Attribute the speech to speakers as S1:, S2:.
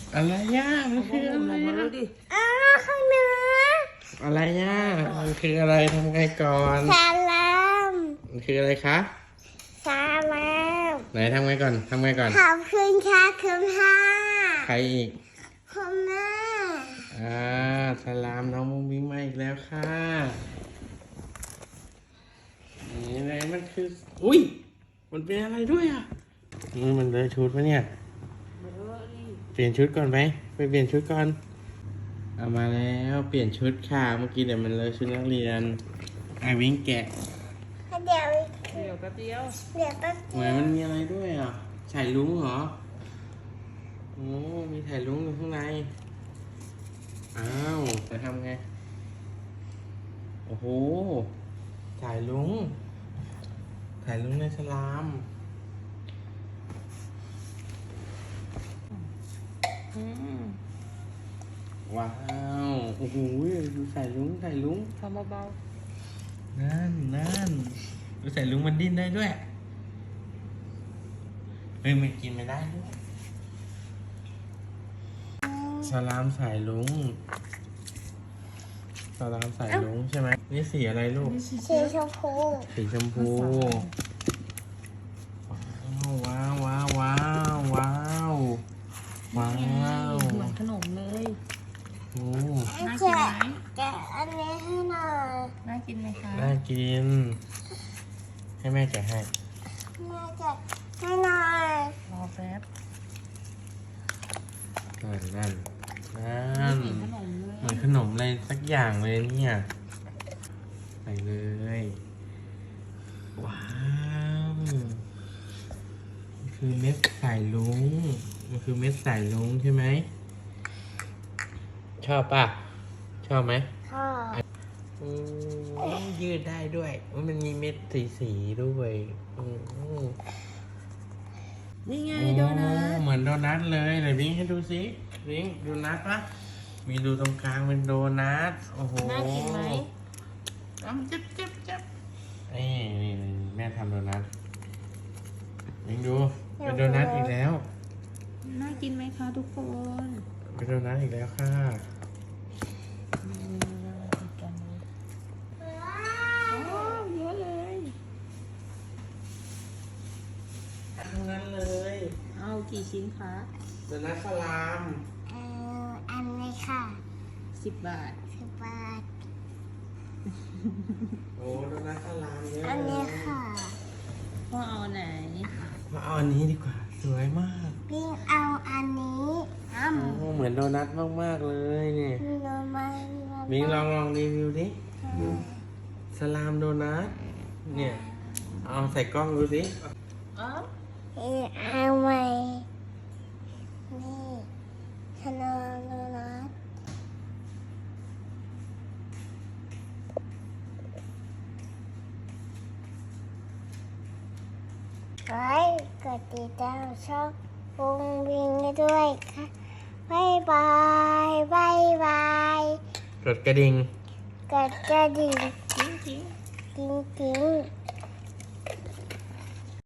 S1: อะไรย่ามันคืออะไร
S2: มาดิ
S3: ข้างเหนือ
S1: อะไรย่ามันคืออะไรทำไงก่อน
S3: สลาม
S1: มันคืออะไรคะ
S3: สลาม
S1: ไหนทำไงก่อนทำไงก่อน
S3: ขอบคุณค่ะคุณพ่อ
S1: ใครอีก
S3: คุณแม่
S1: สลามน้องมุ้งมิ้งมาอีกแล้วค่ะนี่อะไรมันคืออุ้ยมันเป็นอะไรด้วยอ่ะมันเลยชุดปะเนี่ยเปลี่ยนชุดก่อนไหมไปเปลี่ยนชุดก่อนเอามาแล้วเปลี่ยนชุดค่ะเมื่อกี้เดี๋ยวมันเลยชุดนักเรียนไอวิ่งแกะ
S3: เดี๋ยว
S2: เดี๋ยวแป๊บเดียว
S3: เดี๋ยวแป๊บ
S1: เหมือนมันมีอะไรด้วยอ่ะฉายลุงเหรอโอ้มีฉายลุงอยู่ข้างในอ้าวจะทำไงโอ้โหฉายลุงในสลามว้าวโอ้โหดูฉายลุง
S2: ทำเบา
S1: นั่นดูฉายลุงมันดิ้นได้ด้วยเฮ้ยมันกินไม่ได้ด้วยสลามสายลุงสลามสายลุงใช่ไหมนี่สีอะไรลูก
S3: สีชมพู
S1: สีชมพูว้าวว้าวว้าวว้าวว้าว
S2: เหมือนขนมเลย
S1: โอ้
S2: น่ากินไหม
S3: แกะอันนี้ให้หน่อย
S2: น่ากินไหมคะ
S1: น่ากินให้แม่แกะให้
S3: แม่แกะให้หน่อย
S2: รอแป๊บ
S1: นั่น
S2: เหมือนขนมเลย
S1: เหมือนขนมอะไรสักอย่างเลยเนี่ยใส่เลยว้าวมันคือเม็ดสายลุงมันคือเม็ดสายลุงใช่ไหมชอบป่ะชอบไหม
S3: พ่อ
S1: ยืดได้ด้วยมันมีเม็ดสีด้วย
S2: นี่ไง
S1: โอ้
S2: โดนัท
S1: เหมือนโดนัทเลยไหนวิ่งให้ดูสิวิ่งโดนัทปะมีรูตรงกลางเป็นโดนัทโอ้โห
S2: น่ากินไหม
S1: จับนี่แม่ทำโดนัทวิ่งดูเป็นโดนัทอีกแล้ว
S2: น่ากินไหมคะทุกคน
S1: เป็นโดนัทอีกแล้วค่ะ
S2: เยอะเลย
S1: ทั้งนั้นเลย
S2: เอากี่ชิ้นคะ
S1: โดนัทสลาม
S3: อันนี้ค่ะ
S2: 10 บาท
S3: 10 บาท
S1: โอ้โดนัทสลามเยอะ
S3: อันนี้ค่ะ
S2: พ่อเอาไหน
S1: มาเอาอันนี้ดีกว่าสวยมาก
S3: วิ่งเอาอันนี้อ้ำ
S1: โอ้เหมือนโดนัทมากๆเลยเนี่ย
S3: มีโนมา
S1: มิงลองรีวิวดิสลามโดนัทเนี่ยเอาใส่กล้องดูสิ
S3: เอาใหม่นี่ขนมโดนัทไว้กดติดตามช่องวงวิงด้วยค่ะบ๊ายบายบ๊ายบาย
S1: กดกระดิ่ง
S3: กดกระดิ่ง
S2: จริง
S3: จริง